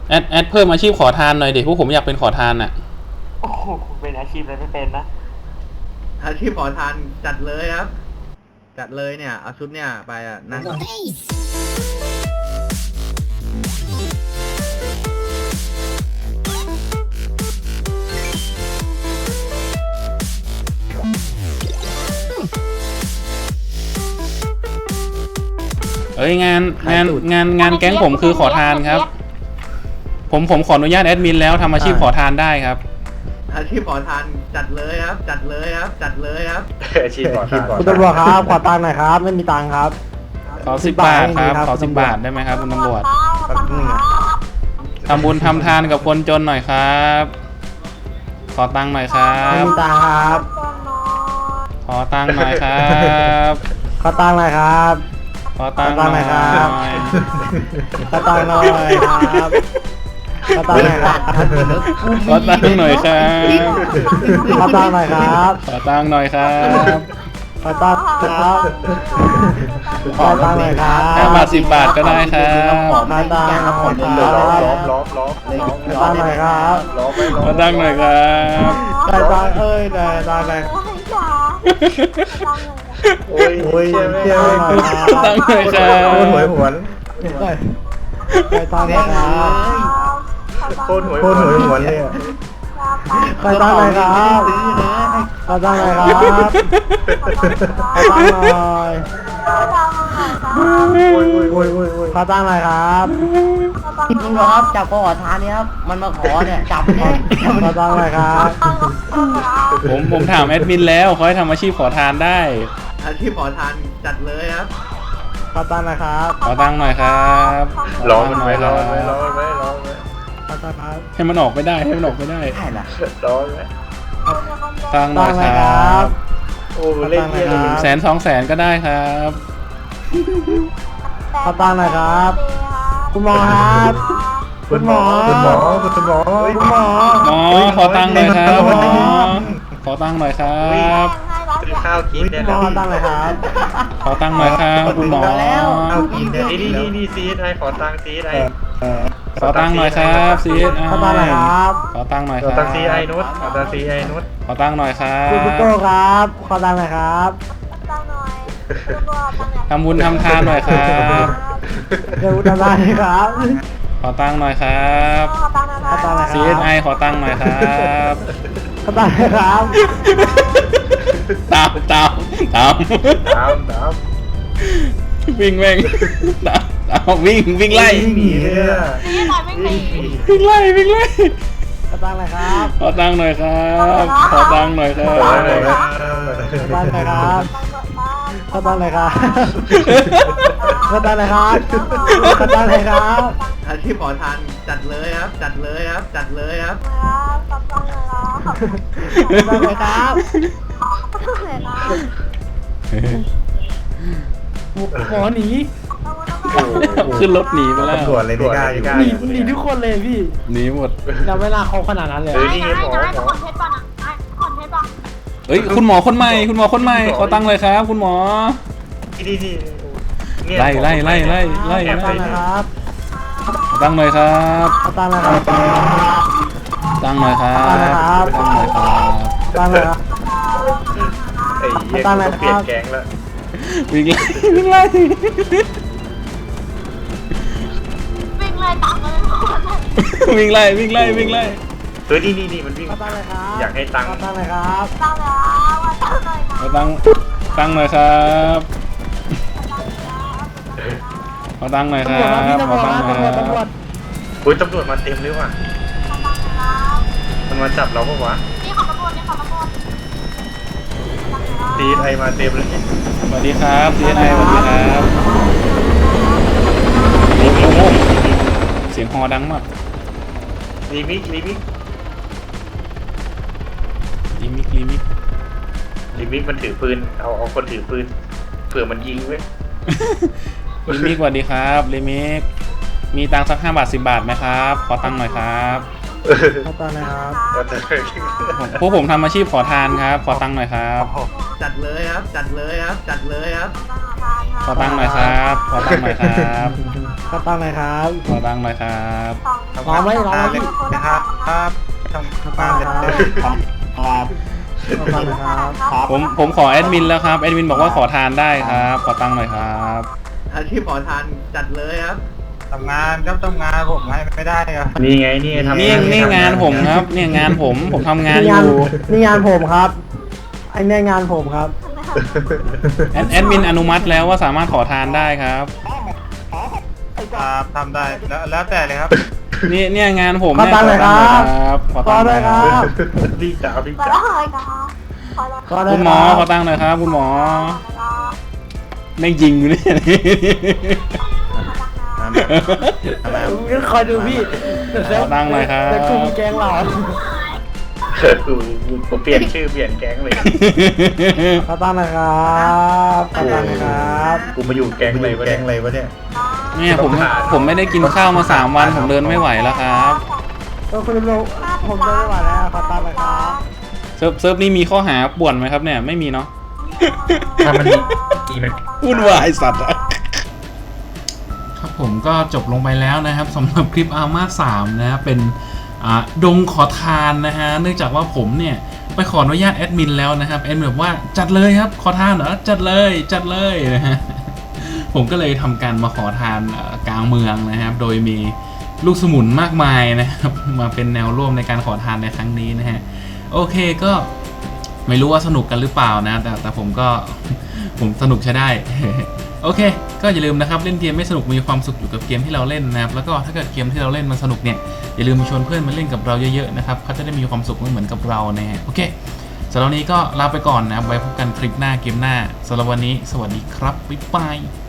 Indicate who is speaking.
Speaker 1: แอดเพิ่มอาชีพขอทานหน่อยเด็กพวกผมอยากเป็นขอทานอ่ะ
Speaker 2: โอ้โหเป็นอาชีพอะไรไม่เป็นนะ
Speaker 3: อาชีพขอทานจัดเลยครับจัดเลยเนี่ยเอาชุดเนี่ยไปอ่ะนั่ง
Speaker 1: เอ้ยงานแก๊งผมคือขอทานครับผมขออนุญาตแอดมินแล้วทำอาชีพขอทานได้ครับ
Speaker 3: อาชีพขอทานจัดเลยครับจัดเลยครับจัดเลยครับ
Speaker 4: อาชีพขอทาน
Speaker 5: คุณตำรวจครับขอตังค์หน่อยครับไม่มีตังค์ครับ
Speaker 1: ขอ10 บาทครับขอ10 บาทได้ไหมครับคุณตำรวจทำบุญทำทานกับคนจนหน่อยครับขอตังค์หน่อยครับ
Speaker 5: ไม่มีตังค์ครับ
Speaker 1: ขอตังค์หน่อยครับ
Speaker 5: ขอตังค์หน่อยครับ
Speaker 1: ขอตังค์หน่อยครับ
Speaker 5: ขอตังค์หน่อยครับขอตังค์หน่อยครับ
Speaker 1: ขอตังค์หน่อยครับ
Speaker 5: ขอตังค์หน่อยครับ
Speaker 1: ขอตังค์หน่อยครับ
Speaker 5: ขอตังค์ครับขอตังค์หน่อยครับ
Speaker 1: 5 บาท 10 บาทก็ได้ครับ
Speaker 5: ขอตังค์หน่อยครับ
Speaker 4: ล้อม
Speaker 5: ขอตังค์หน่อยครับ
Speaker 1: ขอตังค์หน่อยครับ
Speaker 5: ได้ตังค์เอ้ยได้ตังค์เลย
Speaker 4: โอ้ย
Speaker 5: เที่ยวหน่อยครั
Speaker 1: ขอตังค์หน่อยครับ
Speaker 4: โคตรหวยหวน
Speaker 5: ได้ตังค์หน่อยครับ
Speaker 4: โคตรหวยหวนเลย
Speaker 5: ขอตังค์หน่อยครับขอตังค์หน่อยครับขอตังค์หน่อยขอตังค์หน่อยครับ
Speaker 6: ลุงครับจับขอทานเนี่ยครับมันมาขอเนี่ยจับเนี่ย
Speaker 5: ขอตังค์หน่อยครับ
Speaker 1: ผมถามแอดมินแล้วเขาให้ทำอาชีพขอทานได้
Speaker 3: อาชีพขอทานจัดเลยครับ
Speaker 5: ขอตังค์หน่อยครับ
Speaker 1: ขอตังค์หน่อยครับ
Speaker 4: ล้อมัน
Speaker 1: หน่
Speaker 4: ไว้
Speaker 1: อยค
Speaker 4: ล้
Speaker 1: รั
Speaker 4: อบ มันไว้ล้อมันไว้ล้อมันไว้
Speaker 5: ขอตังค์ครับ
Speaker 1: ให้มันออกไม่ได้ให้มันออกไม่ได้
Speaker 6: ใช่ละ
Speaker 4: ล้อมันไว้
Speaker 1: ตังค์หน่อยครับ
Speaker 4: โอ้เล่นเที่ยว
Speaker 1: 100,000 200,000ก็ได้ครับ
Speaker 5: ขอตังค์หน่อยครับ คุณหมอครับ
Speaker 4: คุณหมอ
Speaker 1: หมอขอตังค์หน่อยครับหมอขอตังค์หน่อยครับ
Speaker 4: ซื้อข้าวกินได้
Speaker 5: หม
Speaker 4: แล้
Speaker 5: อ
Speaker 4: ว
Speaker 5: ขอตังค์หน่อยครับ
Speaker 1: ขอตังค์หน่อยครับคุณหมอ
Speaker 3: เอากินได้
Speaker 4: นี่ซีไอขอตังซีไอ
Speaker 1: ขอตังค์หน่อยครับซีเอส
Speaker 5: ขอตังค์หน่อยครับ
Speaker 1: ขอตังค์หน่อย
Speaker 4: ข
Speaker 1: ค
Speaker 4: อ
Speaker 1: รับ
Speaker 4: ตังซีไอนุชขอตังซีไอนุช
Speaker 1: ขอตังค์หน่อยครั
Speaker 5: คุณ
Speaker 1: บ
Speaker 5: พุโต้ครับ ขอตังค์หน่อยครับ
Speaker 1: ทำบุญทำทานหน่อยครับ
Speaker 5: เดี๋ยวทำได้ครับ
Speaker 1: ขอตังค์หน่อยครับ
Speaker 5: ขอตังค์หน่อยครับ
Speaker 1: CSI ขอตังค์หน่อยครับ
Speaker 5: ขอตังค์หน่อยครับ
Speaker 1: ตาม
Speaker 4: ตาม
Speaker 1: วิ่งแม่งตามวิ่งไล่
Speaker 4: หนีเลยอ่ะ
Speaker 1: วิ่งไล่
Speaker 5: ขอตังค์หน่อยครับ
Speaker 1: ขอตังค์หน่อยครับขอตังค์หน่อยครับ
Speaker 5: ขอตังค์หน่อยครับขอตังค์หน่อยครับขอตังค์หน่อยครับขอตังค์หน่อยครับ
Speaker 3: อาชีพขอทานจัดเลยครับจัดเลยครับจัดเลยครับ
Speaker 5: ขอตังค์หน่อยครับหมอหนี
Speaker 1: ขึ้นรถหนีไปแล้ว
Speaker 4: ตำรวจเลยไม่กล้าอยู่
Speaker 5: หนีทุกคนเลยพี่
Speaker 1: หนีหมด
Speaker 5: เราไม่น่าเขาขนาดนั้นเลย
Speaker 4: นี่หมอ
Speaker 1: เฮ้ยคุณหมอคนใหม่ขอตังค์เลยครับ คุณหมอ
Speaker 4: นี่
Speaker 1: ไล่
Speaker 5: ขอตังค์หน่อยครับ
Speaker 1: ขอตังค์หน่อยครับ
Speaker 5: ขอตังค์หน่อยครับ
Speaker 1: ตังค์หน่อยครับตังค์หน่อยครับ
Speaker 5: ขอตังค์หน่อยครับ
Speaker 4: ไอ้เหี้ยเปลี่ยนแก๊งแล้ว
Speaker 1: วิ่งไล่ วิ่งไล่
Speaker 4: เฮ้ยนี่มันวิ่ง
Speaker 5: ขอตังค์หน่อยครับ
Speaker 4: อยากให้ตังค์
Speaker 5: ขอตังค์หน่อยครับ
Speaker 1: ขอตังค์หน่อยครับขอตังค์หน่อยค
Speaker 5: ตำ
Speaker 1: รั
Speaker 5: รวจครับพี่
Speaker 1: บ
Speaker 5: ตำรวจครับตำรวจตำรวจ
Speaker 4: โอ้ยตำรวจมาเต็มเลยว่ะมันมาจับเราปะวะซีไอมาเต็มเลย
Speaker 1: สวัสดีครับ CSI สวัสดีครับโอ้โหเสียงฮอดังมาก
Speaker 4: รีมิก
Speaker 1: ลิมิก
Speaker 4: มันถือปืนเอาคนถือปืนเผื่อมันยิงเว้ย
Speaker 1: ลิมิกสวัสดีครับลิมิกมีตังค์สัก5 บาท 10 บาทไหมครับขอตังค์หน่อยครับ
Speaker 5: ขอตังค์หน่อยครับ
Speaker 1: พวกผมทำอาชีพขอทานครับขอตังค์หน่อยครับ
Speaker 3: จัดเลยครับจัดเลยครับจัดเลยครับ
Speaker 5: ข
Speaker 1: ขอตังค์หน่อยครับขอตังค์หน่อยครับ
Speaker 5: ขอตังค์หน่อยครับ
Speaker 1: ขอตังค์หน่อยครับ
Speaker 5: รอไหมรอไหม
Speaker 3: นะครับครับทำบ้านเลย
Speaker 5: ครับขอตังค์หน่อยครับ
Speaker 1: ผมขอแอดมินแล้วครับแอดมินบอกว่าขอทานได้ครับขอตังค์หน่อยครับ
Speaker 3: อาชีพขอทานจัดเลยครับ
Speaker 5: ทำงานครับทำงานผมให้ไม่ได้ครับ
Speaker 4: นี่ไงนี่ทำ
Speaker 1: นี่งานผมครับเนี่ยงานผมทำงาน
Speaker 5: นี่
Speaker 1: อง
Speaker 5: าน
Speaker 1: ยู่
Speaker 5: นี่งานผมครับไอ้เนี่ยงานผมครับ
Speaker 1: แอดมินอนุมัติแล้วว่าสามารถขอทานได้ครับ
Speaker 5: ครับทำได้แล้วแต่เลยครับ
Speaker 1: เนี่ยงานผม
Speaker 5: ขอ
Speaker 1: เนี่ย
Speaker 5: ตังค์หน่อยครับ
Speaker 1: ขอตังค์หน่อยครับ
Speaker 4: พี่จ๋าพี่
Speaker 7: ขอ
Speaker 4: จ๋า
Speaker 7: ได้ค่ะขอได้
Speaker 5: ก็ได้
Speaker 1: คุณหมอ
Speaker 5: ครับ
Speaker 1: ขอตังค์หน่อยครับคุณหมอแม่งยิงอยู่เนี่ย
Speaker 5: คอยดูพี่
Speaker 1: ขอตังค์หน่อยครับ
Speaker 5: แต่กลุ่มแกงเรา
Speaker 4: ผมเปลี่ยนชื่อเปลี่ยนแก๊งเลย
Speaker 5: ขอตังค์หน่อยครับขอตังค์หน่อยครับ
Speaker 4: กูมาอยู่แก๊งเลยวะเนี่ย
Speaker 1: เนี่ยผมไม่ได้กินข้าวมา3 วันผมเดินไม่ไหวแล้วครับ
Speaker 5: ก็คุณลุงผมเดินไม่ไหวแล้วขอตังค์หน่อยครับ
Speaker 1: เซิร์ฟนี่มีข้อหาป่วนไหมครับเนี่ยไม่มีเนาะ
Speaker 4: ถ้ามันดีมัน
Speaker 1: วุ่นวายสัตว์ครับผมก็จบลงไปแล้วนะครับสำหรับคลิปอาร์มา3นะเป็นดงขอทานนะฮะเนื่องจากว่าผมเนี่ยไปขออนุญาตแอดมินแล้วนะครับแอดมินแบบว่าจัดเลยครับขอทานเหรอจัดเลยนะฮะผมก็เลยทำการมาขอทานกลางเมืองนะครับโดยมีลูกสมุนมากมายนะครับมาเป็นแนวร่วมในการขอทานในครั้งนี้นะฮะโอเคก็ไม่รู้ว่าสนุกกันหรือเปล่านะแต่ผมก็ ผมสนุกใช้ได้ โอเคก็อย่าลืมนะครับเล่นเกมไม่สนุกมีความสุขอยู่กับเกมที่เราเล่นนะครับแล้วก็ถ้าเกิดเกมที่เราเล่นมันสนุกเนี่ยอย่าลืมมาชวนเพื่อนมาเล่นกับเราเยอะๆนะครับเขาจะได้มีความสุขเหมือนกับเรานะฮะโอเคสำหรับวันนี้ก็ลาไปก่อนนะครับไว้พบกันคลิปหน้าเกมหน้าสำหรับวันนี้สวัสดีครับบ๊ายบาย